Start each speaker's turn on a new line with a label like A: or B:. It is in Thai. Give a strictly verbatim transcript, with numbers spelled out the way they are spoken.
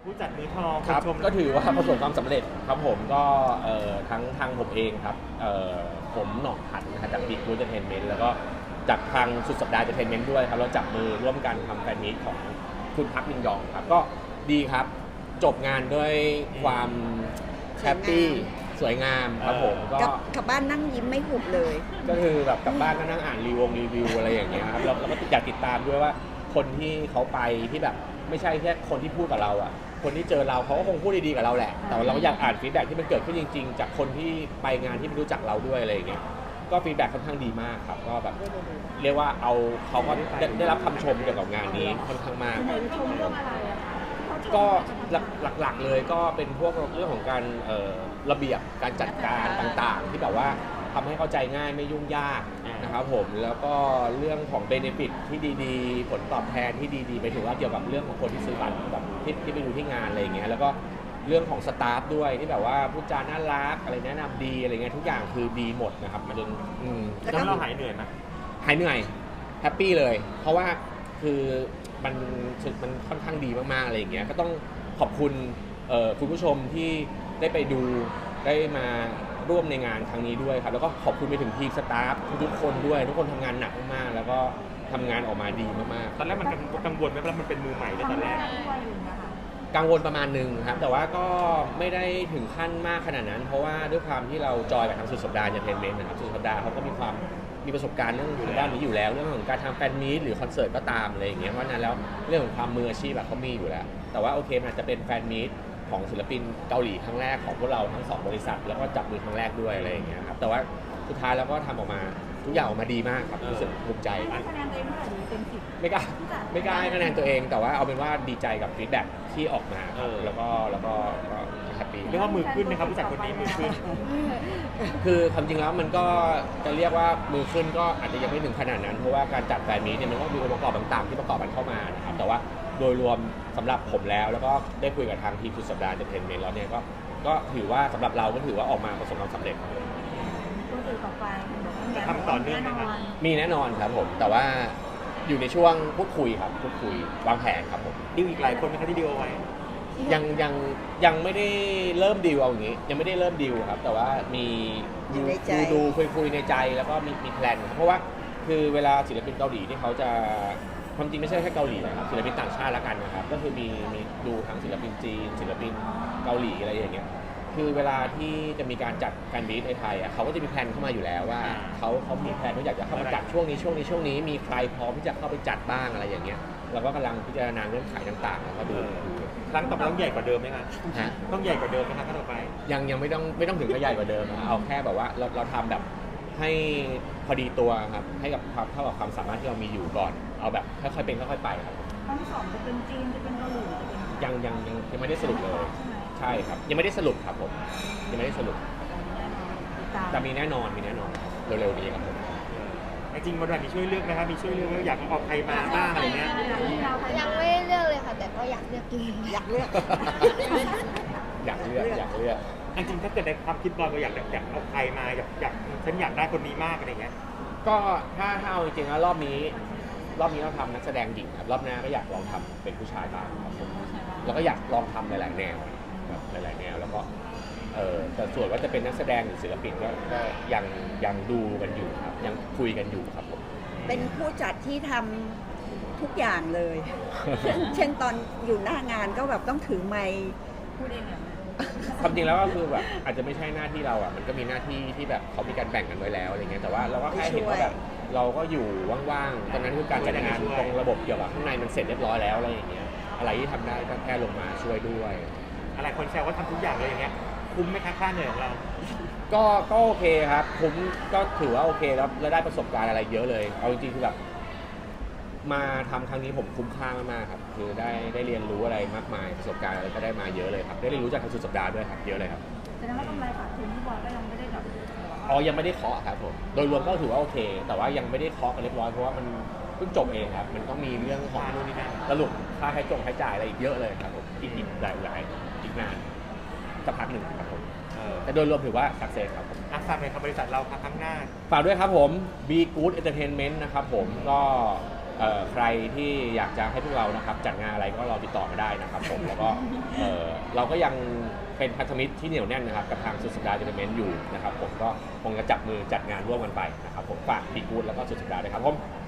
A: ผู้จัดมือทอง
B: ครับ
A: ชม
B: ก็ถือว่าประสบความสำเร็จครับผมก็เอ่อทั้งทางผมเองครับเอ่อผมหน่องผัดนะฮะจากบิ๊กบูธเอนเตอร์เทนเมนต์แล้วก็จากทางสุดสัปดาห์เอนเตอร์เทนเมนต์ด้วยครับเราจับมือร่วมกันทำแฟนมีตของคุณพักมินยองครับก็ดีครับจบงานด้วยความแฮปปี้สวยงามครับผมก็
C: กลับกลับบ้านนั่งยิ้มไม่หุบเลย
B: ก็คือแบบกลับบ้านก็นั่งอ่านรีวงรีวิวอะไรอย่างเงี้ยครับเราเราก็อยากติดตามด้วยว่าคนที่เขาไปที่แบบไม่ใช่แค่คนที่พูดกับเราอ่ะคนที่เจอเราเขาก็คงพูดดีๆกับเราแหละแต่ว่าเราอยากอ่านฟีดแบ็กที่มันเกิดขึ้นจริงๆจากคนที่ไปงานที่ไม่รู้จักเราด้วยอะไรอย่างเงี้ยก็ฟีดแบ็กค่อนข้างดีมากครับก็แบบเรียกว่าเอาเขาก็ได้ได้รับคำชมเกี่ยวกับงานนี้ค่อนข้างมาก
D: ชมเรื่องอะไรอะคะ
B: ก็หลักๆเลยก็เป็นพวกเรื่องของการเอ่อระเบียบการจัดการต่างๆ ที่แบบว่าทำให้เข้าใจง่ายไม่ยุ่งยากนะครับผมแล้วก็เรื่องของเบเนฟิตที่ดีๆ ผลตอบแทนที่ดีๆไปถึงว่าเกี่ยวกับเรื่องของคนที่ซื้อบัตรแบบที่ที่ไปดูที่งานอะไรอย่างเงี้ยแล้วก็เรื่องของสตาฟด้วยที่แบบว่าพูดจาน่ารักอะไรแนะนำดีอะไรเงี้ยทุกอย่างคือดีหมดนะครับมาจนอืม
A: แล้วเราหายเหนื่อยไหม
B: หายเหนื่อยแฮปปี้เลย เพราะว่าคือมันมันค่อนข้างดีมากๆอะไรอย่างเงี้ยก็ต้องขอบคุณเอ่อคุณผู้ชมที่ได้ไปดูได้มาร่วมในงานครั้งนี้ด้วยครับแล้วก็ขอบคุณไปถึงทีมสตาฟทุกๆคนด้วยทุกคนทำงานหนักมากๆแล้วก็ทำงานออกมาดีมากๆ
A: ตอนแรกมันกังวลไหมเพราะมันเป็นมือใหม่เลยตอนแรก
D: ด้วยอย่างเงี้ยค่ะ
B: กังวลประมาณหนึ่งครับแต่ว่าก็ไม่ได้ถึงขั้นมากขนาดนั้น เพราะว่าด้วยความที่เราจอยกับทางสุดสัปดาห์เอนเตอร์เทนเมนต์นะครับสุดสัปดาห์เขาก็มีความมีประสบการณ์เรื่องทางด้านนี้อยู่แล้วเรื่องของการทำแฟนมีตหรือคอนเสิร์ตก็ตามอะไรอย่างเงี้ยเพราะฉะนั้นแล้วเรื่องของความมืออาชีพแบบเขามีอยู่แล้วแต่ว่าโอเคมันอาจจะเป็นแฟนมีตของศิลปินเกาหลีครั้งแรกของพวกเราทั้งสองบริษัทแล้วก็จับมือครั้งแรกด้วยอะไรอย่างเงี้ยครับแต่ว่าสุดท้ายแล้วก็ทำออกมาทุกอย่างออกมาดีมากครับรู้สึกภูมิใจ
D: ให้คะแนนตัวเองเท่าไหร่ดีเต็มสิบ
B: ไม่กล้าไม่กล้าให้คะแนนตัวเองแต่ว่าเอาเป็นว่าดีใจกับฟีดแบ็กที่ออกมาครับแล้วก็แล้วก็ก็แฮปปี้
A: เรียกว่ามือขึ้นนะครับผู้จัดคนนี้มือขึ้น
B: คือความจริงแล้วมันก็จะเรียกว่ามือขึ้นก็อาจจะยังไม่ถึงขนาดนั้นเพราะว่าการจัดแฟนมีตเนี่ยมันก็มีองค์ประกอบต่างๆที่ประกอบกันเข้ามานะครับแต่ว่าโดยรวมสำหรับผมแล้วแล้วก็ได้คุยกับทางทีมสุดสัปดาห์เอนเตอร์เทนเมนต์แล้วเนี่ยก็ก็ถือว่าสำหรับเราก็ถือว่าออกมาประสบความสำเร็จ
D: ตัวอื่นต่อไป
A: จะทำต่อเนื่องไหมครับ
B: มีแน่นอนครับผมแต่ว่าอยู่ในช่วงพูดคุยครับพูดคุยวางแผนครับผม
A: ดิวอีกหลายคนไหมครับที่ดิวเอาไว้
B: ยังยังยังไม่ได้เริ่มดีลเอาอย่างนี้ยังไม่ได้เริ่มดีลครับแต่ว่ามี
C: อยู่ในใจ
B: ดูดูคุยคุยในใจแล้วก็มีมีแพลนครับเพราะว่าคือเวลาศิลปินเกาหลีที่เขาจะความจริงไม่ใช่แค่เกาหลีนะครับศิลปินต่างชาติละกันนะครับก็คือมีมีดูทั้งศิลปินจีนศิลปินเกาหลีอะไรอย่างเงี้ยคือเวลาที่จะมีการจัดแฟนมีตในไทยอ่ะเขาก็จะมีแพลนเข้ามาอยู่แล้วว่าเขาเขามีแพลนว่าอยากจะเข้ามาจัดช่วงนี้ช่วงนี้ช่วงนี้มีใครพร้อมที่จะเข้าไปจัดบ้างอะไรอย่างเงี้ยเราก็กำลังพิจารณาเงื่อนไขต่างๆแล้วก็ดู
A: ครั้งต่อไปต้องใหญ่กว่าเดิมไหมครับ
B: ฮะ
A: ต้องใหญ่กว่าเดิมไหมครับครั้งต่อไป
B: ยังยังไม่ต้องไม่ต้องถึงกับใหญ่กว่าเดิมนะเอาแค่แบบว่าเราเราทำแบบให้พอดีตัวครับให้กับความเท่ากับความสามารถที่เรามีอยู่ก่อน เอาแบบค่อยๆเป็นค่อยๆไปครับ
D: ครั้งที่สองจะเป็นจีนจะเป็นเกาหลีจะเป็น
B: ยังยังยังยังไม่ได้สรุปเลย
D: ใช่ไหม
B: ใช่ครับยังไม่ได้สรุปครับผมยังไม่ได้สรุป
D: ติดตาม
B: แต่มีแน่นอนมีแน่นอนเร็วๆนี้ครับผม
A: จริงๆวันไหนมีช่วยเลือกไหมครับมีช่วยเลือกว่าอยากเอาใครมาบ้างอะไรเงี้ย
E: ยังไม่ได้เลือกเลยค่ะแต่ก็อยากเลือกอยู่
C: อยากเลือก
B: อยากเลือกอยากเลือก
A: จริงๆถ้าเกิดในความคิดบอลเราอยากอยากเอาใครมาอยากอยากฉันอยากได้คนนี้มากอะไรเงี้ย
B: ก็ถ้าถ้าเอาจริงๆแล้วรอบนี้ รอบนี้เราทำนักแสดงหญิงครับรอบหน้าก็อยากลองทำเป็นผู้ชายบ้างครับผมแล้วก็อยากลองทำหลายๆแนวแบบหลายๆแนวแล้วก็เออแต่ส่วนว่าจะเป็นนักแสดงหรือศิลปินก็ก็ยังยังดูกันอยู่ครับยังคุยกันอยู่ครับผม
C: เป็นผู้จัดที่ทำทุกอย่างเลย เช่นเช่นตอนอยู่หน้างานก็แบบต้องถือไมค์
D: พูดเองเนี่ย
B: ความจริงแล้วก็คือแบบอาจจะไม่ใช่หน้าที่เราอ่ะมันก็มีหน้าที่ที่แบบเขามีการแบ่งกันไว้แล้วอะไรเงี้ยแต่ว่าเราก็แค่เห็นว่าแบบเราก็อยู่ว่างๆตอนนั้นคือการจัดงานตรงระบบเกี่ยวกับข้างในมันเสร็จเรียบร้อยแล้วอะไรอย่างเงี้ยอะไรที่ทำได้ก็แค่ลงมาช่วยด้วย
A: อะไรคนแซวว่าทำทุกอย่างเลยอย่างเงี้ยคุ้มไหมคะค่าเหนื่อยของเรา
B: ก็ก็โอเคครับผมก็ถือว่าโอเคแล้วแล้วได้ประสบการณ์อะไรเยอะเลยเอาจริงๆคือแบบมาทำครั้งนี้ผมคุ้มค่ามากๆครับคือได้ได้เรียนรู้อะไรมากมายประสบการณ์อะไรก็ได้มาเยอะเลยครับได้เรียนรู้จากทางสุดสัปดาห์ด้วยครับเยอะเลยครับ
D: แสดงว่ากำไรขาดทุนที่บอลก็ยังไม่ได้แบบ
B: อ๋อยังไม่ได้เคาะครับผมโดยรวมก็ถือว่าโอเค แต่ว่ายังไม่ได้เคาะกันเรียบร้อยเพราะว่ามันเพิ่งจบเองครับมันต้องมีเรื่องของนู่นนี่นั่นสรุปค่าใช้จงใช้จ่ายอะไรอีกเยอะเลยครับผมอีกอีกหลายหลายอีกนานสักพักหนึ่งครับผม
A: เออ
B: แต่โดยรวมถือว่าสักเซสครับผม
A: อ่ะฝากหน่อยครับบริษัทเราครับข้างหน้า
B: ฝากด้วยครับผม Be Good Entertainment นะครับผมก็เอ่อใครที่อยากจะให้พวกเรานะครับจัดงานอะไรก็รอติดต่อมาได้นะครับผมแล้วก็เอ่อเราก็ยังเป็นพันธมิตรที่เหนียวแน่นนะครับกับทางสุดสัปดาห์เจเมนต์อยู่นะครับผมก็คงจะจับมือจัดงานร่วมกันไปนะครับผมฝากพีกูดแล้วก็สุดสัปดาห์ด้วยครับผม